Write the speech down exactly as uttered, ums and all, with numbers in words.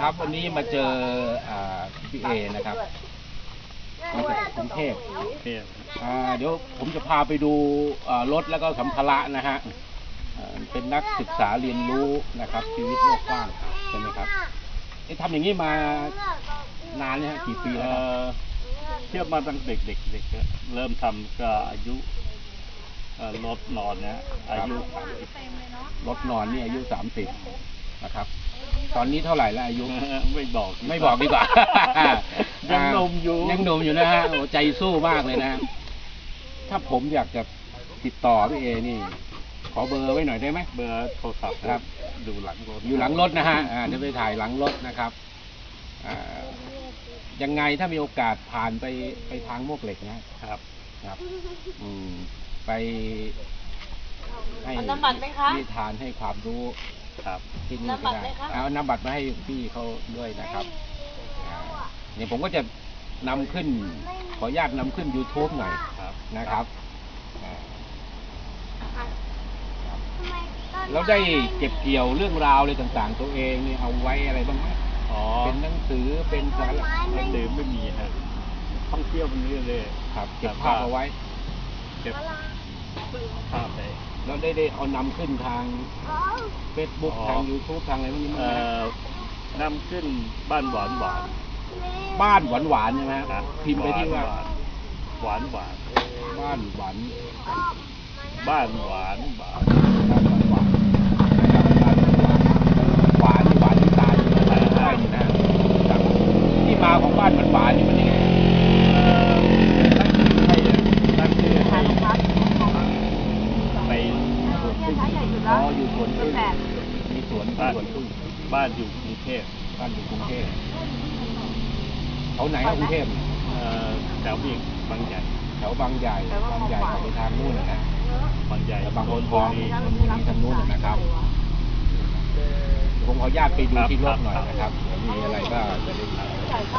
ครับวันนี้มาเจอพี่เอนะครับมาจากกรุงเทพเดี๋ยวผมจะพาไปดูรถแล้วก็สัมภาระนะฮะเป็นนักศึกษาเรียนรู้นะครับชีวิตโลกกว้างใช่ไหมครับทำอย่างนี้มานานเนี่ยกี่ปีแล้วเทียบมาตั้งเด็กเด็กเด็กเริ่มทำก็อายุรถนอนเนี่ยอายุรถนอนนี่อายุสามสิบนะครับตอนนี้เท่าไหร่แล้วอายุไม่บอกไม่บอกดีกว่ายังหนุ่มอยู่ยังหนุ่มอยู่นะฮะโอ้ใจสู้มากเลยนะถ้าผมอยากจะติดต่อพี่เอนี่ขอเบอร์ไว้หน่อยได้ไหมเบอร์โทรศัพท์ครับดูหลังรถอยู่หลังรถนะฮะเดี๋ยวไปถ่ายหลังรถนะครับยังไงถ้ามีโอกาสผ่านไปไปทางมวกเหล็กนะครับครับอืมไปให้ที่ทานให้ความรู้ครับที่นี่ก็ได้เอานำบัตรมาให้พี่เขาด้วยนะครับเนี่ยผมก็จะนำขึ้นขออนุญาตนำขึ้น YouTube หน่อยนะครับแล้วได้เก็บเกี่ยวเรื่องราวอะไรต่างๆตัวเองนี่เอาไว้อะไรบ้างไหมอ๋อเป็นหนังสือเป็นสารหนังสือไม่มีฮะท่องเที่ยวมันเรื่อยเลยครับเก็บภาพเอาไว้เก็บภาพไปแล้วได้ได้เอานำขึ้นทาง Facebook ทาง YouTube ทางอะไรพวกนี้มั้ยนำขึ้นบ้านหวานหวานบ้านหวานหวานใช่ไหมครับพิมพ์ไปที่ว่าหวานหวานบ้านหวานบ้านหวานหวานบ้านหวานหวานหวานที่ตาอยู่นะได้อยู่นะที่มาของบ้านหวานหวานนี่มันยังไงตั้งชื่อให้ไปอ๋ออยู่สวนพึ่งมีสวนบ้านบ้านอยู่กรุงเทพบ้านอยู่กรุงเทพเขาไหนกรุงเทพแถวอีกบางใหญ่แถวบางใหญ่บางใหญ่ไปทางนู้นนะบางใหญ่บางคนทองนี่ทางนู้นนะครับผมขออนุญาตไปดูที่รถหน่อยนะครับมีอะไรก็จะได้